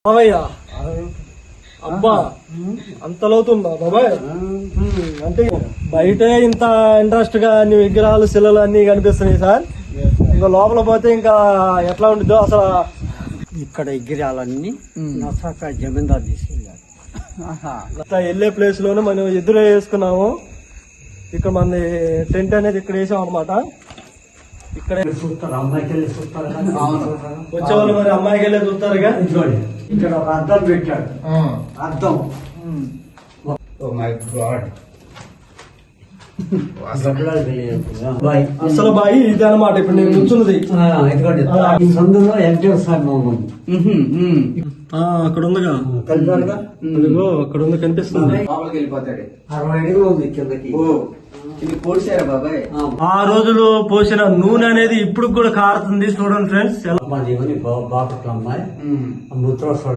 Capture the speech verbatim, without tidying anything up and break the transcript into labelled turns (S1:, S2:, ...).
S1: బాబయ్యా అబ్బా అంత లోతుందా బాబాయ్? అంటే బయట ఇంత ఇంట్రెస్ట్ గా అన్ని విగ్రహాలు శిలలు అన్ని కనిపిస్తున్నాయి సార్. ఇంకా లోపల పోతే ఇంకా ఎట్లా ఉంటుందో అసలు.
S2: ఇక్కడ విగ్రహాలన్నీ నసాక జమీందారు తీసుకెళ్ళారు.
S1: వెళ్ళే ప్లేస్ లోనే మనం ఎదురు వేసుకున్నాము. ఇక్కడ మన టెంట్ అనేది ఇక్కడ వేసాం అనమాట. ఇక్కడ
S2: చూస్తారు, అమ్మాయికి వెళ్ళి చూస్తారు.
S1: వచ్చేవాళ్ళు మరి అమ్మాయికి వెళ్ళి చూస్తారుగా.
S2: ఇక్కడ ఒక అద్దం పెట్టాడు. అద్దం
S1: అసలు బాయి ఇది అనమాట. ఇప్పుడు నేను కూర్చున్నది
S2: ఈ సందులో ఎన్టీఆర్ సార్ మోహన్
S1: అక్కడ ఉందిగా, అక్కడ ఉంది కనిపిస్తుంది.
S2: అరవై అడుగులు ఉంది కిందకి.
S1: ఆ రోజులు పోసిన నూనె అనేది ఇప్పుడు కూడా కారుతుంది. చూడండి ఫ్రెండ్స్.
S2: బాపట్ల అమ్మాయి ముద్ర